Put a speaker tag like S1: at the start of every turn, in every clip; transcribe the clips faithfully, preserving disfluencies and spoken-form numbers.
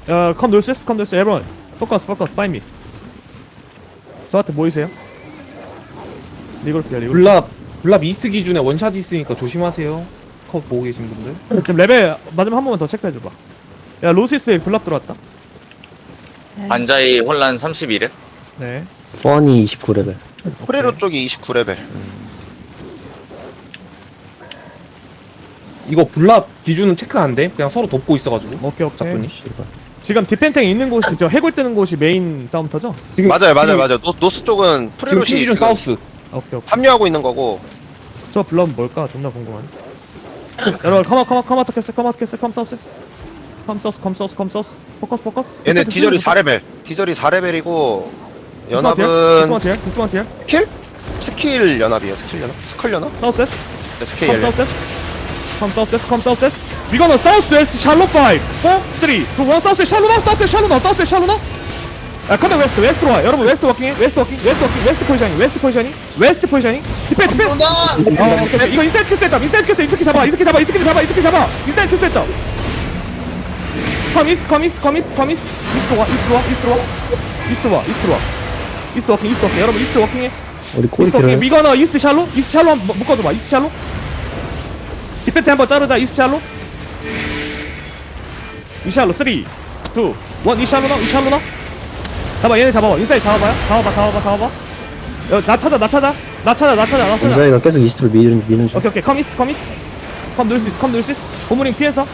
S1: 야, 컴 놀세스, 컴 놀세스, 에브런. 포커스, 포커스, 파인 미. 저한테 모이세요. 리그룹이야, 리그룹.
S2: 블랍 블랍 이스트 기준에 원샷 있으니까 조심하세요. 컷 보고 계신 분들.
S1: 지금 레벨 맞으면 한 번만 더 체크해줘봐. 야, 로시스에 블랍 들어왔다.
S3: 반자이 혼란 삼십일 회.
S1: 네.
S4: 펀이 이십구 레벨.
S5: 프레로 쪽이 이십구 레벨.
S2: 이거 블랍 기준은 체크 안 돼. 그냥 서로 돕고 있어가지고.
S1: 오케이, 오케이.
S2: 작분이.
S1: 지금 디펜탱 있는 곳이, 저 해골 뜨는 곳이 메인 싸움터죠?
S2: 지금
S5: 맞아요, 맞아요,
S2: 지금,
S5: 맞아요. 노, 노스 쪽은
S2: 지금
S5: 프레로시
S2: 팀 기준
S5: 지금
S2: 사우스.
S1: 오케이, 오케이.
S5: 합류하고 있는 거고.
S1: 저 블랍은 뭘까? 존나 궁금하네. 여러분, 컴온, 컴온, 컴온, 캐슬, 컴온, 캐슬, 컴 사우스. 컴 사우스, 컴 사우스, 컴 사우스. 포커스, 포커스.
S5: 얘네 디저리 사 레벨. 디저리 사 레벨이고 연합은
S1: 디스마티야? 디스마티야?
S5: 스킬? 스킬 연합이에요. 스킬 연합? 스컬 연합?
S1: 사우스 웨스트?
S5: 네, 스킬
S1: 컴
S5: 연합.
S1: 사우스 웨스트? 컴 사우스 웨스트, 컴 사우스 웨스트? We gonna south west shallow five, four, three, two, one. south west shallow now, south west shallow now, south west shallow now. 아, 컴백 웨스트, 웨스트로 와. 여러분 웨스트 워킹해, 웨스트 워킹, 웨스트 워킹, 웨스트 포지셔닝, 웨스트 포지셔닝, 웨스트 포지셔닝. 디펜, 디펜. 어, 오케이, 오케이. 이거 인사이드 큐 셋업, 인사이드 큐 셋업, 이스키 잡아, 이스키 잡아, 이스키 잡아, 이스키 잡아. 인사이드 큐 셋업. 컴 이스트, 컴 이스트, 컴 이스트, 컴 이스트. 이스트 와, 이스트 와, 이스트 와, 이스트 와, 이스트 와. 이스트 워킹, 이스트 워킹. 여러분 이스트 워킹해.
S4: 우리 꼬리
S1: 이스트 워킹.
S4: 길어요.
S1: 미거너 이스트 샬로, 이스트 샬로 한번 묶어줘봐. 이스트 샬로. 디펜트 한번 자르자. 이스트 샬로. 이 샬로 삼, 이, 일. 이 샬로 나, 이 샬로 나. 잡아, 얘네 잡아봐. 인사이드 잡아봐요. 잡아봐, 잡아봐, 잡아봐. 야, 나 찾아, 나 찾아. 나 찾아, 나 찾아, 나 찾아.
S4: 원자이가 계속 이스트로 미는 미는 중.
S1: 오케이, 오케이. 컴 이스트, 컴 이스트. 컴 놀 수 있어, 컴 놀 수 있어. 고무링 피해서.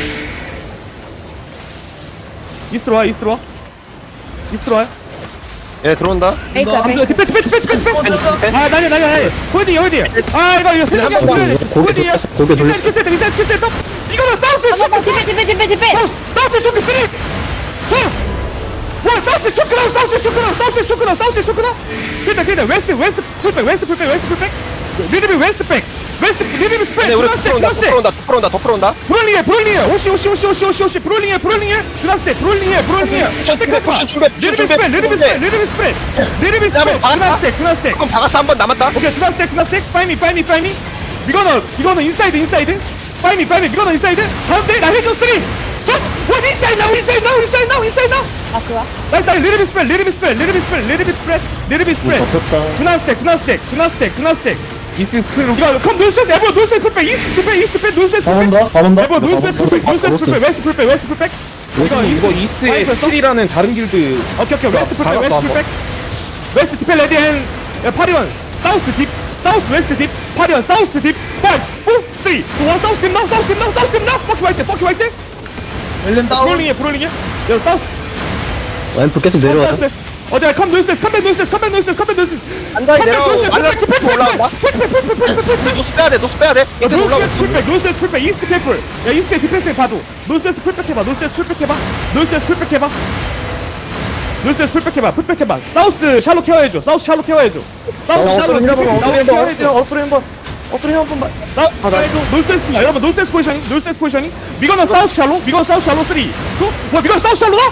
S1: 이스트로 와, 이스트로 와. 이스트로 와요.
S5: 얘네 들어온다.
S6: 페이크
S1: 아,
S6: 페이크
S1: 디펜, 디펜, 디펜, 디펜, 디펜. 아, 나냐, 나냐, 나냐. 홀디, 홀디. 아, 이거, 이거 세상에
S5: 한번
S1: 홀디.
S4: 고개
S1: 홀디야.
S4: 돌렸어, 고개 돌렸어.
S1: 인사이드 큐 세트, 인사이드 큐 세트. 이거는 사우스
S6: 잠깐만 디펜 디펜 디펜 디펜
S1: 사우스, 사우스 쇼크 쓰리. 투. 와, 사우스 쇼크나, 사우스 쇼크나, 사우스 쇼크나, 사우스 쇼크나. 그다, 그다. 웨스트, 웨스트 풀백, 웨스트 풀백, 웨스트 풀백. 리드비 웨스트 백. 웨스트 리드비 스프레드.
S5: 얘네 우리
S1: 그라스텍,
S5: 더
S1: 그라스텍.
S5: 풀어온다, 더 풀어온다, 더 풀어온다.
S1: 브롤링해, 브롤링해. 오시, 오시, 오시, 오시, 오시, 오시. 브롤링해, 브롤링해. 그라스텍, 브롤링해, 브롤링해.
S5: 푸시 준비, 푸시 준비, 푸시
S1: 리드비
S5: 준비.
S1: 스프레드, 리드비 스프레드, 리드비 스프레드. 리드비 스프레드.
S5: 박았다?
S1: 그라스텍, 그라스텍.
S5: 조금 박았어, 한 번 남았다.
S1: 오케이, 그라스텍, 그라스텍. 파이미, 파이미, 파이미. 이거는, 이거는 인사이드, 인사이드. 파이미, 파이미. 이거는 인사이드. 가운데, 나 해줘, 쓰리. 투, 원, 인사이드, 나우, 인사이드, 나우, 인사이드, 나우, 인사이드, 나우.
S6: 아 그거야?
S1: 나이스, 나이스. 리드비 스프레드, 리드비 스프레드, 리드비 스프레드, 리드비 스프레드, 리드비 스프레드.
S4: 덮였다.
S1: 그나스텍, 그나스텍, 그나스텍, 그나스텍.
S2: 이스트 스크린.
S1: 이거 컴 놀스웨스, 에버 놀스웨스 풀백, 이스트 풀백, 이스트 풀백, 놀스웨스
S4: 다
S1: 풀백.
S4: 온다, 다 온다.
S1: 에버 놀스웨스 풀백, 놀스웨스 풀백, 웨스트 풀백, 웨스트 풀백.
S2: 이거 이거 이스트에
S1: 파이프 했어?
S2: 스킬이라는 다른 길드.
S1: 오케이, 오케이. 웨스트 풀백,
S2: 박았어,
S1: 웨스트
S2: 한번.
S1: 풀백. 웨스트 디펜 레디 앤 파리원. 사우스 딥, 사우스 웨스트 딥, 파리원 사우스 딥. 파이브, 사, 삼, 이, 일. 사우스 딥 나우, 사우스 딥 나우, 사우스 딥 나우. 퍼키 화이트, 퍼키 화이트.
S7: 엘렌 다운.
S1: 브롤링해, 브롤링해. 여기 사우스.
S4: 앰프 계속 내려와요.
S1: 어디야? 컴 놀스웨스, 컴백 놀스웨스, 컴백 놀스웨스, 컴백 놀스웨스.
S5: 안다이 내려오고 말라 풀 올라온다. 우리 노스 빼야 돼, 노스 빼야 돼. 이제 올라오고.
S1: 노스웨스 풀백, 노스웨스 풀백, 이스트 캠플. 야, 이스트 디펜스 봐도. 노스웨스 풀백 해봐, 노스웨스 풀백 해봐. 노스웨스 풀백 해봐. 노스웨스 풀백 해봐, 풀백 해봐. 사우스 샬로 케어해줘, 사우스 샬로 케어해줘. 사우스 샬로 케어해줘.
S4: 어스트로 한번. 어스트로 한번 봐.
S1: 나, 나이스. 놀세스, 야, 여러분, 놀세스 포지셔닝, 놀세스 포지셔닝. 미거는 사우스 샬로, 미거는 사우스 샬로 삼, 이, 뭐, 미거는 사우스 샬로다?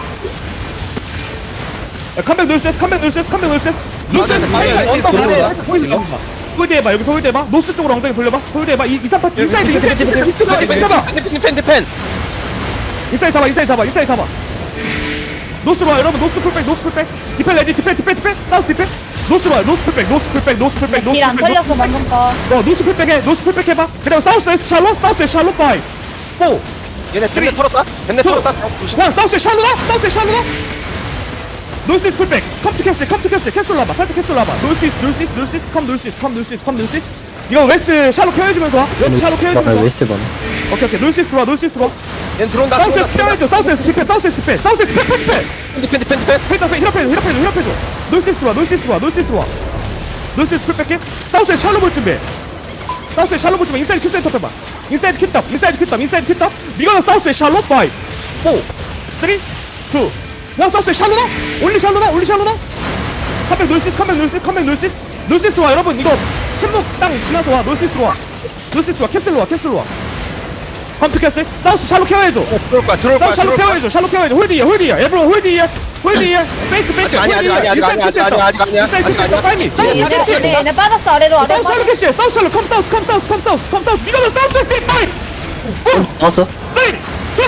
S1: 야, 컴백 놀세스, 컴백 놀세스, 컴백 놀세스. 놀세스,
S5: 맞아, 맞아.
S1: 언덕
S5: 맞아,
S1: 아래,
S5: 맞아.
S1: 홀드 해봐. 홀드 해봐, 여기서 홀드 해봐. 노스 쪽으로 엉덩이 돌려봐. 홀드 해봐. 이, 이, 삼 파, 인사이드, 인사이드, 인사이드, 인사이드, 인사이드 잡아.
S5: 디펜, 디펜, 디펜.
S1: 인사이드 잡아, 인사이드 잡아, 인사이드 잡아. 노스로 와, 여러분, 노스 풀백, 노스 풀백. 디펜 레디, 디펜, 디펜, 디펜. 사우스 디펜. 노스로 와, 노스 풀백, 노스 풀백, 노스 풀백, 노스
S6: 길 안
S1: 풀백, 노스
S6: 털렸어
S1: 풀백.
S6: 방금 거.
S1: 어, 노스 풀백 해, 노스 풀백 해봐. 그다음 사우스 에스 샬롯, 사우스 에스 샬롯 파이, 포,
S5: 얘네 벤네 털었다. 벤네 털었다.
S1: 원, 사우스 에스 샬롯, 사우스 에스 샬롯. 노스 이스 풀백, 컴투 캐슬, 컴투 캐슬, 캐슬 라봐, 살짝 캐슬 라봐. 노스 이스, 노스 이스, 노스 이스, 컴 노스 이스, 컴 노스 이스, 컴 노스 이스. 이거 웨스트 샬롯 케어해주면서 와. 웨스트 샬롯 케어해주면서 와.
S4: 웨스트 반.
S1: 오케이, 오케이. 노스 이스 들어와, 노스 이스 들어와.
S5: 얘 들어온다.
S1: 사우스 에스 케어해줘, 사우스 에스 디펜, 사우스 에스 디펜, 사우스 에스 디펜, 디펜.
S5: 디펜, 디펜, 디펜.
S1: 페이터 페이 힐업해줘, 힐업해줘, 힐업해줘. 노스 이스 들어와, 노스 이스 들어와, 노스 이스 들어와. 노스 이스 풀백해. 사우스 에스 샬롯 볼 준비. 사우스 에스 샬롯 볼 준비. 인사이드 큐 센터 해봐. 인사이드 큐탑, 인사이드 큐탑, 인사이드 큐탑. 이거는 사우스 에스 샬롯 파이, 포, 쓰리, 투. 원, 사우스 에스 샬롯. 올리 샬롯, 올리 샬롯. 컴백 놀시스, 컴백 놀시스, 컴백 놀시스. 놀시스 와, 여러분. 이거 침묵 땅 지나서 와. 놀시스 와. 놀시스 와. 캐슬로 와, 캐슬로 와. 컴퓨 캐슬. 사우스 샬롯 케어해줘.
S5: 들어올 거야, 들어올 거야,
S1: 사우스 샬롯
S5: 들어올 거야.
S1: 케어해줘, 샬롯 케어해줘. 홀디야, 홀디야. 에브로 홀디야. 홀디야. 페이크, 페이크.
S5: 아직 아니야, 아직 아니야, 아직 아니야, 아직 아니야, 아직 아니야,
S1: 인사이드
S5: 아직
S1: 큐
S5: 아니야.
S1: 파이미.
S6: 얘네 얘네 얘네 빠졌어 아래로 아래로
S1: 사우스 샬롯
S6: 빠졌어.
S1: 캐시. 사우스 샬롯. 컴 사우스, 컴 사우스, 컴 사우스, 컴 사우스. 이거는 사우스 스테이 파이.
S4: 나왔어?
S1: 쓰리, 투, 원.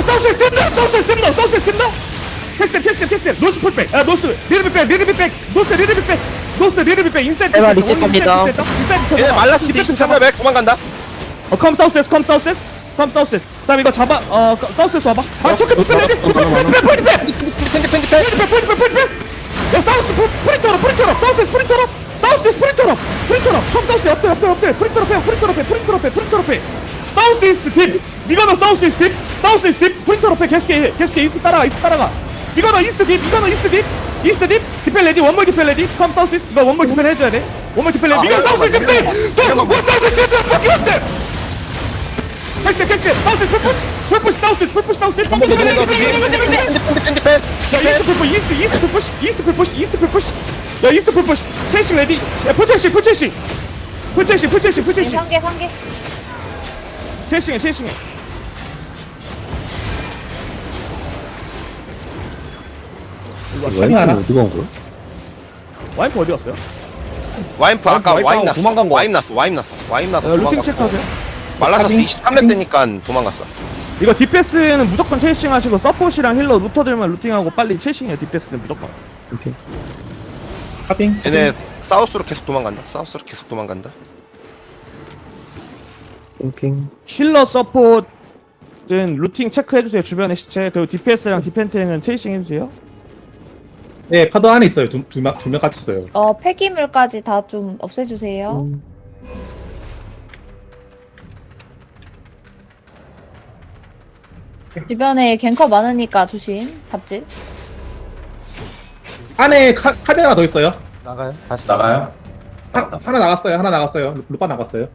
S1: 사우스에 스텝다 사우스에 스텝다 사우스에 스텝다 캐스텝 캐스텝 캐스텝 노스 풀백 아 노스 리드비 백 리드비 백 노스 리드비 백 노스 리드비 백 인사이드
S3: 제발
S1: 캐스텝,
S3: 리셋합니다.
S1: 인사이드 캐스텝, 인사이드
S5: 얘네
S1: 캐스텝.
S5: 말라스
S1: 디펜스
S5: 디펜스
S1: 잡아.
S5: 삼백 도망간다.
S1: 어, 컴 사우스에스, 컴 사우스에스, 컴 사우스에스. 다음 이거 잡아, 어, 거- 사우스에스 와봐. 아, 초크 디펜 레디, 디펜, 디펜, 디펜, 디펜,
S5: 펜디 펜디 펜디
S1: 디펜, 디펜, 디펜, 디펜. 야, 사우스 프- 프린터로, 프린터로, 사우스에스 프린터로, 사우스에스 프린터로, 프린터로. 컴 사우스 옆에, 옆에, 옆에, 프린터로 패, 프린터로 패, 프린터로 패, 프린터로 패. 사우스 이스트 딥. 이거는 사우스 이스트 딥, 사우스 이스트 딥, 프린터로 패, 계속해, 계속해, 이스트 따라가, 이스트 따라가. 이거는 이스트 딥, 이거는 이스트 딥, 이스트 딥, 디펜 레디, 원몰 디펜 레디, 컴 사우스 이스트. 이거 원몰 디펜 해줘야 돼. 원몰 디펜 레디. 이거 사우스 이스트 딥, 또, 원 사우스 이스트 딥, fuck you up there. 캐스트 캐스트 사우스 풀푸시 풀푸시 사우스 풀푸시 사우스
S6: 펜디 펜디 펜디 펜디 펜디 펜디
S5: 펜디 펜.
S1: 야 이스트 풀푸시 이스트 이스트 풀푸시 이스트 풀푸시 이스트 풀푸시 야 이스트 풀푸시 체싱 레디 야 풀체싱 풀체싱 풀체싱 풀체싱 풀체싱
S6: 상계 상계
S1: 체싱해 체싱해
S4: 와인프 어디가 온 거야?
S1: 와이프 어디 갔어요?
S5: 와인프 아까
S2: 와인프
S5: 와인
S2: 하고
S5: 났어.
S2: 도망간 거.
S5: 와인 났어. 와인 났어. 와인 났어.
S1: 야 루팅
S5: 도망갔어.
S1: 체크하세요
S5: 말라서스 이십삼 렙 되니까 도망갔어.
S1: 이거 디패스는 무조건 체싱 하시고 서폿이랑 힐러 루터들만 루팅하고 빨리 체싱해 디패스는 무조건
S4: 오케이.
S2: 카빙.
S5: 얘네 사우스로 계속 도망간다. 사우스로 계속 도망간다.
S4: 땡땡.
S1: 힐러 서폿은 루팅 체크해주세요 주변의 시체 그리고 디패스랑 디펜트는 체이싱 해주세요
S2: 네, 파도 안에 있어요. 두, 두, 명- 두명 같이 있어요.
S6: 어 폐기물까지 다 좀 없애주세요
S4: 음.
S6: 주변에 갱커 많으니까 조심 잡질
S2: 안에 카, 카빙 하나 더 있어요.
S5: 나가요? 다시
S7: 나가요?
S2: 하, 하나 나갔어요. 하나 나갔어요. 루- 루파 나갔어요.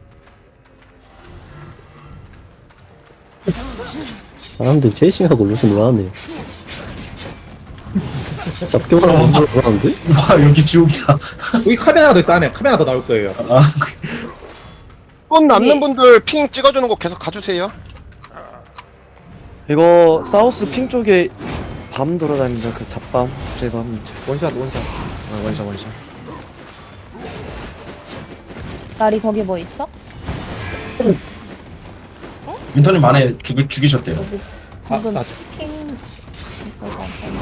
S4: 사람들 제이싱하고 무슨 놀았네. 잡기만 하고 못 놀았는데?
S7: 와 여기 지옥이다.
S2: 여기 카빙 하나 더 있어. 안에 카빙 하나 더 나올 거예요.
S7: 아,
S5: 돈 남는
S6: 네.
S5: 분들 핑 찍어주는 거 계속 가주세요.
S3: 이거 사우스 핑 쪽에 밤 돌아다닌다. 그 잡밤 제밤
S2: 원샷, 원샷.
S3: 아, 원샷 원샷.
S6: 나리 거기 뭐 있어?
S7: 윈터님 안에 죽, 죽이셨대요.
S6: 여기
S2: 아,
S6: 방금
S2: 나
S6: 핑 있어서 괜찮아.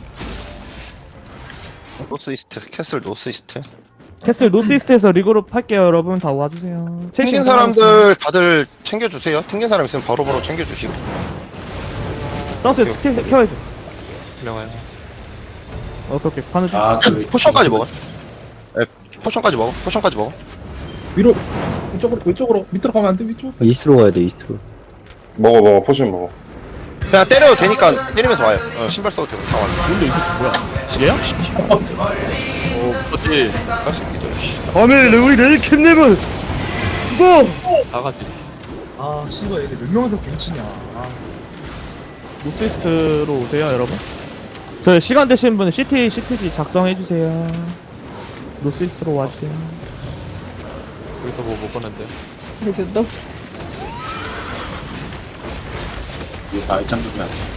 S5: 노스 이스트 캐슬 노스 이스트.
S1: 캐슬 노스이스트에서 리그룹 할게요 여러분 다 와주세요
S5: 튕긴 사람들 다들 챙겨주세요. 튕긴 사람 있으면 바로바로 챙겨주시고.
S1: 사우스에 스킬 켜야죠 어, 오케이 오케이 가는 중
S7: 아, 그
S5: 포션까지 먹어. 에 포션까지 먹어. 포션까지 먹어.
S2: 위로 이쪽으로 이쪽으로 밑으로 가면 안 돼. 위쪽.
S4: 아, 이스트로 가야 돼, 이스트로.
S8: 먹어 먹어 포션 먹어.
S5: 그냥 때려도 되니까 때리면서 와요. 어, 신발 써도 되고 다 와요.
S1: 근데 이게 뭐야 얘야?
S5: 할수 있겠죠. 씨.
S1: 오늘 우리 레이킴님은 죽어
S8: 아 씨발 얘들 몇 명이서 갱치냐. 아.
S1: 노스이스트로 오세요 여러분 저 시간 되신 분은 시티 시티지 작성해주세요 노스이스트로 와주세요
S6: 그래도
S7: 위에서 알짱 좀 해야 돼.